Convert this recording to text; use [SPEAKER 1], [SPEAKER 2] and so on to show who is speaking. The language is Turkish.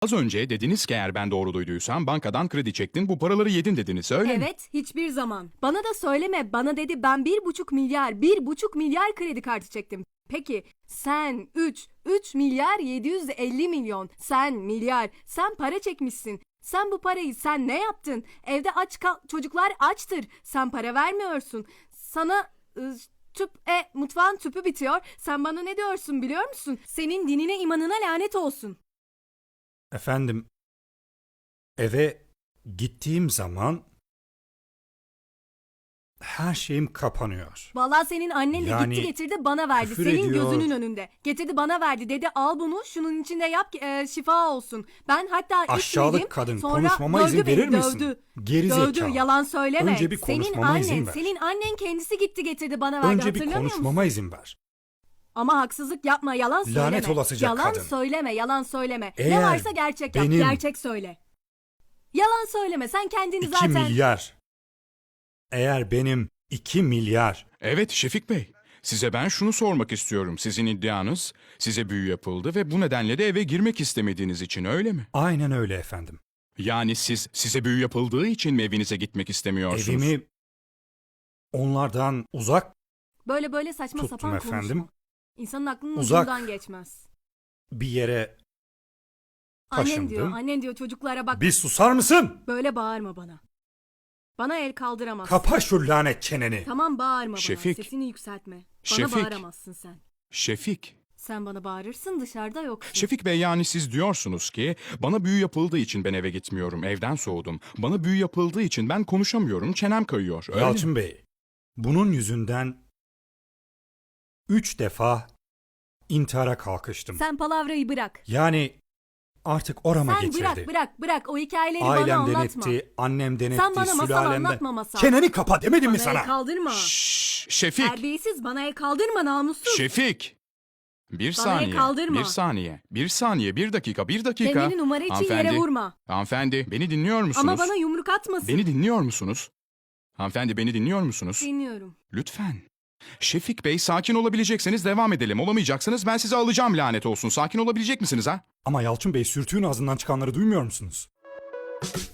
[SPEAKER 1] Az önce dediniz ki eğer ben doğru duyduysam bankadan kredi çektin, bu paraları yedin dediniz, öyle mi?
[SPEAKER 2] Evet, hiçbir zaman. Bana da söyleme. Bana dedi ben 1,5 milyar kredi kartı çektim. Peki sen 3 milyar 750 milyon. Sen milyar. Sen para çekmişsin. Sen bu parayı sen ne yaptın? Evde çocuklar açtır. Sen para vermiyorsun. Sana mutfağın tüpü bitiyor. Sen bana ne diyorsun biliyor musun? Senin dinine imanına lanet olsun.
[SPEAKER 3] Efendim, eve gittiğim zaman her şeyim kapanıyor.
[SPEAKER 2] Vallahi senin annen de
[SPEAKER 3] Yani
[SPEAKER 2] gitti getirdi bana verdi.
[SPEAKER 3] küfür
[SPEAKER 2] Senin
[SPEAKER 3] ediyor.
[SPEAKER 2] gözünün önünde. Getirdi bana verdi. Dedi al bunu şunun içinde yap şifa olsun. Ben hatta
[SPEAKER 3] Aşağılık
[SPEAKER 2] içmedim.
[SPEAKER 3] kadın,
[SPEAKER 2] Sonra
[SPEAKER 3] konuşmama
[SPEAKER 2] dövdü
[SPEAKER 3] izin
[SPEAKER 2] beni,
[SPEAKER 3] verir misin?
[SPEAKER 2] dövdü.
[SPEAKER 3] Geri
[SPEAKER 2] Dövdü,
[SPEAKER 3] zekalı.
[SPEAKER 2] yalan söyleme.
[SPEAKER 3] Önce bir konuşmama izin ver.
[SPEAKER 2] Senin annen kendisi gitti getirdi bana verdi,
[SPEAKER 3] Önce bir
[SPEAKER 2] hatırlamıyor musun?
[SPEAKER 3] konuşmama izin ver.
[SPEAKER 2] Ama haksızlık yapma, yalan söyleme.
[SPEAKER 3] Lanet olasıca
[SPEAKER 2] yalan
[SPEAKER 3] kadın.
[SPEAKER 2] söyleme, yalan söyleme. Ne
[SPEAKER 3] Eğer
[SPEAKER 2] varsa gerçek yap,
[SPEAKER 3] benim-
[SPEAKER 2] gerçek söyle. Yalan söyleme, sen kendini
[SPEAKER 3] 2
[SPEAKER 2] zaten...
[SPEAKER 3] milyar. Eğer benim 2 milyar.
[SPEAKER 1] Evet Şefik Bey, size ben şunu sormak istiyorum. Sizin iddianız, size büyü yapıldı ve bu nedenle de eve girmek istemediğiniz için, öyle mi?
[SPEAKER 3] Aynen öyle efendim.
[SPEAKER 1] Yani size büyü yapıldığı için mi evinize gitmek istemiyorsunuz?
[SPEAKER 3] Evimi onlardan uzak
[SPEAKER 2] Böyle saçma
[SPEAKER 3] tuttum
[SPEAKER 2] sapan
[SPEAKER 3] efendim.
[SPEAKER 2] konuşma. İnsanın aklının
[SPEAKER 3] Uzak.
[SPEAKER 2] ucundan geçmez.
[SPEAKER 3] bir yere taşındım.
[SPEAKER 2] Annen diyor çocuklara bak
[SPEAKER 3] Bir susar mısın?
[SPEAKER 2] böyle bağırma bana. Bana el kaldıramazsın.
[SPEAKER 3] Kapa şu lanet çeneni.
[SPEAKER 2] Tamam bağırma
[SPEAKER 1] Şefik.
[SPEAKER 2] bana, sesini yükseltme. Bana
[SPEAKER 1] Şefik.
[SPEAKER 2] bağıramazsın sen.
[SPEAKER 1] Şefik.
[SPEAKER 2] Sen bana bağırırsın, dışarıda yoksun.
[SPEAKER 1] Şefik Bey, yani siz diyorsunuz ki bana büyü yapıldığı için ben eve gitmiyorum, evden soğudum. Bana büyü yapıldığı için ben konuşamıyorum, çenem kayıyor, öyle mi?
[SPEAKER 3] Yalçın Bey, bunun yüzünden 3 defa intihara kalkıştım.
[SPEAKER 2] Sen palavrayı bırak.
[SPEAKER 3] Yani artık orama
[SPEAKER 2] Sen
[SPEAKER 3] getirdi.
[SPEAKER 2] bırak o hikayeleri bana
[SPEAKER 3] Ailemden
[SPEAKER 2] anlatma.
[SPEAKER 3] etti, annemden etti,
[SPEAKER 2] Sen bana masal
[SPEAKER 3] sülalemden.
[SPEAKER 2] anlatma masal.
[SPEAKER 3] Çeneni kapa demedim mi
[SPEAKER 2] Bana el
[SPEAKER 3] sana?
[SPEAKER 2] kaldırma.
[SPEAKER 1] Şşş, Şefik.
[SPEAKER 2] Terbiyesiz, bana el kaldırma namussuz.
[SPEAKER 1] Şefik. Bir
[SPEAKER 2] Bana el
[SPEAKER 1] saniye,
[SPEAKER 2] kaldırma.
[SPEAKER 1] bir saniye, bir dakika.
[SPEAKER 2] Kendini numara için yere
[SPEAKER 1] Hanımefendi,
[SPEAKER 2] vurma.
[SPEAKER 1] Hanımefendi, beni dinliyor musunuz?
[SPEAKER 2] Ama bana yumruk atmasın.
[SPEAKER 1] Beni dinliyor musunuz? Hanımefendi, beni dinliyor musunuz?
[SPEAKER 2] Dinliyorum.
[SPEAKER 1] Lütfen. Şefik Bey, sakin olabilecekseniz devam edelim. Olamayacaksanız ben sizi alacağım, lanet olsun. Sakin olabilecek misiniz ha?
[SPEAKER 3] Ama Yalçın Bey, sürtüğün ağzından çıkanları duymuyor musunuz?